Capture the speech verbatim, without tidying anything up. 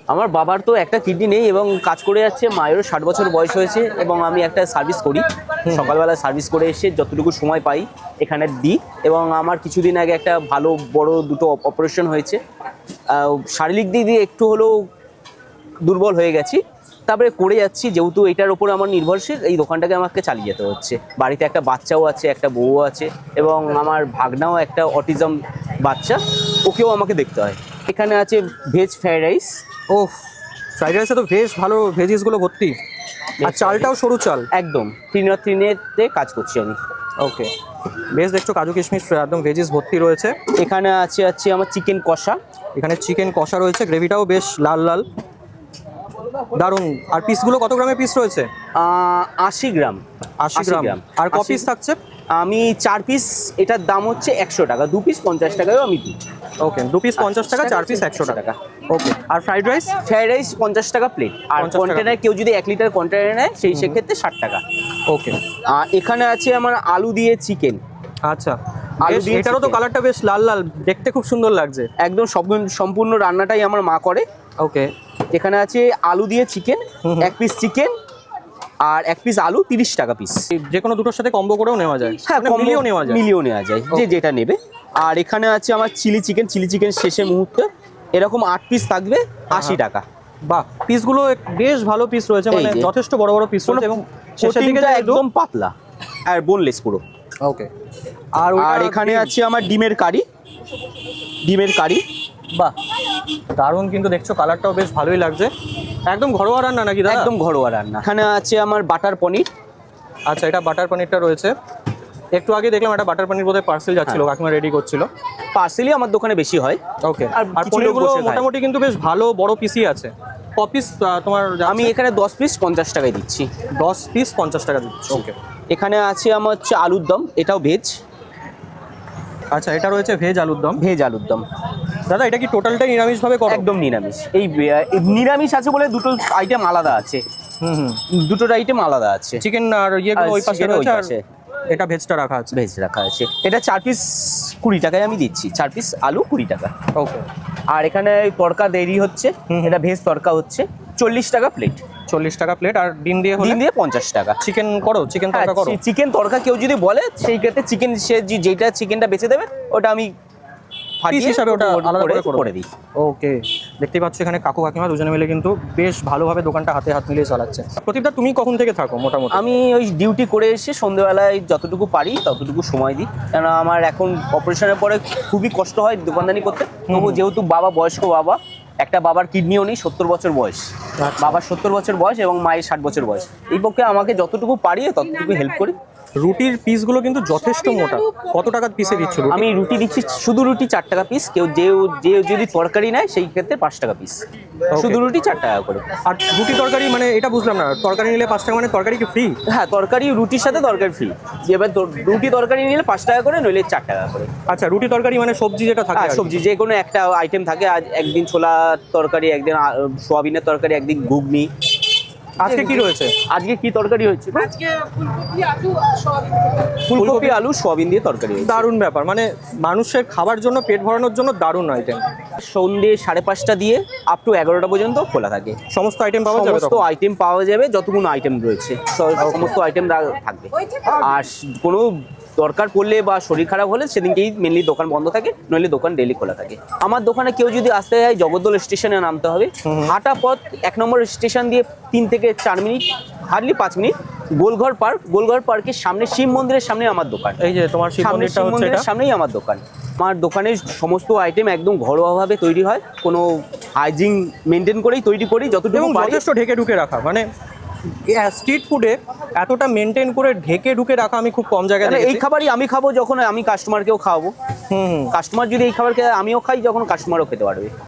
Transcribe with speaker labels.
Speaker 1: আমার বাবার তো একটা কিডনি নেই এবং কাজ করে যাচ্ছে, মায়েরও ষাট বছর বয়স হয়েছে এবং আমি একটা সার্ভিস করি, সকালবেলা সার্ভিস করে এসে যতটুকু সময় পাই এখানে দিই। এবং আমার কিছুদিন আগে একটা ভালো বড় দুটো অপারেশন হয়েছে, শারীরিক দিক দিয়ে একটু হলেও দুর্বল হয়ে গেছি, তারপরে করে যাচ্ছি। যেহেতু এটার ওপর আমার নির্ভরশীল, এই দোকানটাকে আমাকে চালিয়ে যেতে হচ্ছে। বাড়িতে একটা বাচ্চাও আছে, একটা বউ আছে এবং আমার ভাগনাও একটা অটিজম বাচ্চা, ওকেও আমাকে দেখতে হয়। এখানে আছে ভেজ ফ্রাইড রাইস।
Speaker 2: ও, ফ্রাইড রাইসে তো বেশ ভালো ভেজিসগুলো ভর্তি, আর চালটাও সরু চাল,
Speaker 1: একদম তিন তিনেতে কাজ করছি আমি।
Speaker 2: ওকে, বেশ দেখছো কাজু কিশমিশ একদম ভেজিস ভর্তি রয়েছে।
Speaker 1: এখানে আছে আছে আমার চিকেন কষা।
Speaker 2: এখানে চিকেন কষা রয়েছে, গ্রেভিটাও বেশ লাল লাল, দারুণ। আর পিসগুলো কত গ্রামের পিস রয়েছে?
Speaker 1: আশি গ্রাম।
Speaker 2: আশি গ্রাম। আর ক পিস থাকছে?
Speaker 1: আমি চার পিস, এটার দাম হচ্ছে একশো টাকা, দু পিস পঞ্চাশ টাকায়ও আমি দিই।
Speaker 2: ওকে, দু পিস পঞ্চাশ টাকা, চার পিস একশো টাকা। ওকে, আর ফ্রাইড রাইস?
Speaker 1: ফ্রাইড রাইস পঞ্চাশ টাকা প্লেট, আর কন্টেনার কেউ যদি এক লিটার কন্টেনার নেয় সেই সেক্ষেত্রে ষাট টাকা।
Speaker 2: ওকে,
Speaker 1: আর এখানে আছে আমার আলু দিয়ে চিকেন।
Speaker 2: আচ্ছা, আলু দিয়ে, এটারও তো কালারটা বেশ লাল লাল, দেখতে খুব সুন্দর লাগছে।
Speaker 1: একদম সম্পূর্ণ রান্নাটাই আমার মা করে।
Speaker 2: ওকে,
Speaker 1: এখানে আছে আলু দিয়ে চিকেন, এক পিস চিকেন আর এক পিস আলু তিরিশ টাকা পিস।
Speaker 2: যে কোনো দুটোর সাথে কম্বো করেও নেওয়া যায়,
Speaker 1: হ্যাঁ
Speaker 2: মিলিয়েও নেওয়া যায়,
Speaker 1: মিলিয়েও নেওয়া যায় যে যেটা নেবে। আর এখানে আছে আমার চিলি চিকেন, চিলি চিকেন শেষে মুহূর্তে এরকম আট পিস থাকবে, আশি টাকা।
Speaker 2: বাহ, পিসগুলো বেশ ভালো পিস রয়েছে, মানে যথেষ্ট বড় বড় পিস রয়েছে এবং শেষের দিকে
Speaker 1: একদম পাতলা আর বোনলেস পুরো।
Speaker 2: ওকে, আর
Speaker 1: আর এখানে আছে আমার ডিমের কারি, ডিমের কারি।
Speaker 2: বাহ, দারুণ, কিন্তু দেখছো কালারটাও বেশ ভালোই লাগছে। একদম ঘরোয়া রান্না নাকি দাদা?
Speaker 1: একদম ঘরোয়া রান্না। এখানে আছে আমার বাটার পনির।
Speaker 2: আচ্ছা, এটা বাটার পনিরটা রয়েছে। একটু আগে দেখলাম একটা বাটার পনির বোধহয় পার্সেল যাচ্ছিল, কাকিমা রেডি করছিল।
Speaker 1: পার্সেলই আমার দোকানে বেশি হয়।
Speaker 2: ওকে, আর পনিরগুলো মোটামুটি কিন্তু বেশ ভালো বড় পিসই আছে। ক পিস তোমার?
Speaker 1: আমি এখানে দশ পিস পঞ্চাশ টাকায় দিচ্ছি।
Speaker 2: দশ পিস পঞ্চাশ টাকা দিচ্ছি। ওকে,
Speaker 1: এখানে আছে আমার হচ্ছে আলুর দম, এটাও ভেজ।
Speaker 2: আচ্ছা, এটা রয়েছে ভেজ আলুর দম।
Speaker 1: ভেজ আলুর দম।
Speaker 2: দাদা, এটা কি টোটালটাই নিরামিষভাবে করো?
Speaker 1: একদম নিরামিষ। এই নিরামিষ আছে বলে দুটো আইটেম আলাদা আছে।
Speaker 2: হুম হুম,
Speaker 1: দুটোর আইটেম আলাদা আছে।
Speaker 2: চিকেন আর ইয়েগুলো ওই পাশে রয়েছে, আর এটা ভেজটা রাখা আছে।
Speaker 1: ভেজ রাখা আছে। এটা চার পিস কুড়ি টাকায় আমি দিচ্ছি, চার পিস আলু কুড়ি টাকা।
Speaker 2: ওকে,
Speaker 1: আর এখানে তড়কা দেরি হচ্ছে, এটা ভেজ তড়কা হচ্ছে চল্লিশ টাকা প্লেট।
Speaker 2: চল্লিশ টাকা প্লেট। আর ডিম দিয়ে?
Speaker 1: ডিম দিয়ে পঞ্চাশ টাকা।
Speaker 2: চিকেন করো? চিকেন তড়কা করো?
Speaker 1: চিকেন তড়কা কেউ যদি বলে সেই ক্ষেত্রে চিকেন, সে যেটা চিকেনটা বেঁচে দেবে ওটা আমি
Speaker 2: পিস হিসাবে ওটা আলাদা করে
Speaker 1: করে দিই।
Speaker 2: ওকে, দেখতেই পাচ্ছ এখানে কাকু কাকিমা দুজনে মিলে কিন্তু বেশ ভালোভাবে দোকানটা হাতে হাত মিলিয়ে চালাচ্ছে। প্রদীপদা, তুমি কখন থেকে থাকো মোটামুটি?
Speaker 1: আমি ওই ডিউটি করে এসে সন্ধ্যেবেলায় যতটুকু পারি ততটুকু সময় দিই, কেন আমার এখন অপারেশনের পরে খুবই কষ্ট হয় দোকানদানি করতে। তবু যেহেতু বাবা বয়স্ক, বাবা একটা বাবার কিডনিও নেই, সত্তর বছর বয়স, বাবার সত্তর বছর বয়স এবং মায়ের ষাট বছর বয়স, এই পক্ষে আমাকে যতটুকু পারি ততটুকু হেল্প করি।
Speaker 2: রুটির পিসগুলো কিন্তু যথেষ্ট মোটা। কত টাকার পিসে দিচ্ছ?
Speaker 1: আমি রুটি দিচ্ছি শুধু রুটি চার টাকা পিস, কেউ যে যে যদি তরকারি নেয় সেই ক্ষেত্রে পাঁচ টাকা পিস, শুধু রুটি চার টাকা করে।
Speaker 2: আর রুটি তরকারি মানে এটা বুঝলাম না, তরকারি নিলে পাঁচ টাকা মানে তরকারি কি ফ্রি?
Speaker 1: হ্যাঁ, তরকারি রুটির সাথে তরকারি ফ্রি। এবার রুটি তরকারি নিলে পাঁচ টাকা করে, নইলে চার টাকা করে।
Speaker 2: আচ্ছা, রুটি তরকারি মানে সবজি যেটা থাকে?
Speaker 1: সবজি যে কোনো একটা আইটেম থাকে, আজ একদিন ছোলা তরকারি, একদিন সোয়াবিনের তরকারি, একদিন ঘুগনি।
Speaker 2: আজকে কি রয়েছে?
Speaker 1: আজকে কি তরকারি হচ্ছে?
Speaker 3: আজকে ফুলকপি আলু সোয়াবিন।
Speaker 1: ফুলকপি আলু সোয়াবিন দিয়ে তরকারি।
Speaker 2: দারুণ ব্যাপার, মানে মানুষের খাবার জন্য, পেট ভরানোর জন্য দারুণ আইটেম।
Speaker 1: সন্ধ্যে সাড়ে পাঁচটা দিয়ে আপ টু এগারোটা পর্যন্ত খোলা থাকে।
Speaker 2: সমস্ত আইটেম পাওয়া যাবে?
Speaker 1: সমস্ত আইটেম পাওয়া যাবে, যতগুলো আইটেম রয়েছে সমস্ত আইটেম থাকবে। আর কোনো দরকার পড়লে বা শরীর খারাপ হলে সেদিনকেই মেনলি দোকান বন্ধ থাকে, নইলে দোকান ডেলি খোলা থাকে। আমার দোকানে কেউ যদি আসতে যায় জগদ্দল স্টেশনে নামতে হবে, হাঁটা পথ এক নম্বর স্টেশন দিয়ে তিন থেকে চার মিনিট, হার্ডলি পাঁচ মিনিট, গোলঘর পার্ক, গোলঘর পার্কের সামনে শিব মন্দিরের সামনে আমার দোকান।
Speaker 2: এই যে তোমার শিব মন্দিরটা হচ্ছে, এটা
Speaker 1: সামনেই আমার দোকান। আমার দোকানের সমস্ত আইটেম একদম ঘরোয়াভাবে তৈরি হয়, কোনো হাইজিন মেনটেন করেই তৈরি করি যতটুকু পারি।
Speaker 2: যথেষ্ট ঢেকে ঢুকে রাখা, মানে স্ট্রিট ফুডে এতটা মেনটেন করে ঢেকে ঢুকে রাখা আমি খুব কম জায়গায় দেখেছি।
Speaker 1: এই খাবারই আমি খাবো, যখন আমি কাস্টমারকেও খাওয়াবো।
Speaker 2: হুম,
Speaker 1: কাস্টমার যদি এই খাবার খেয়ে আমিও খাই, যখন কাস্টমারও খেতে পারবে।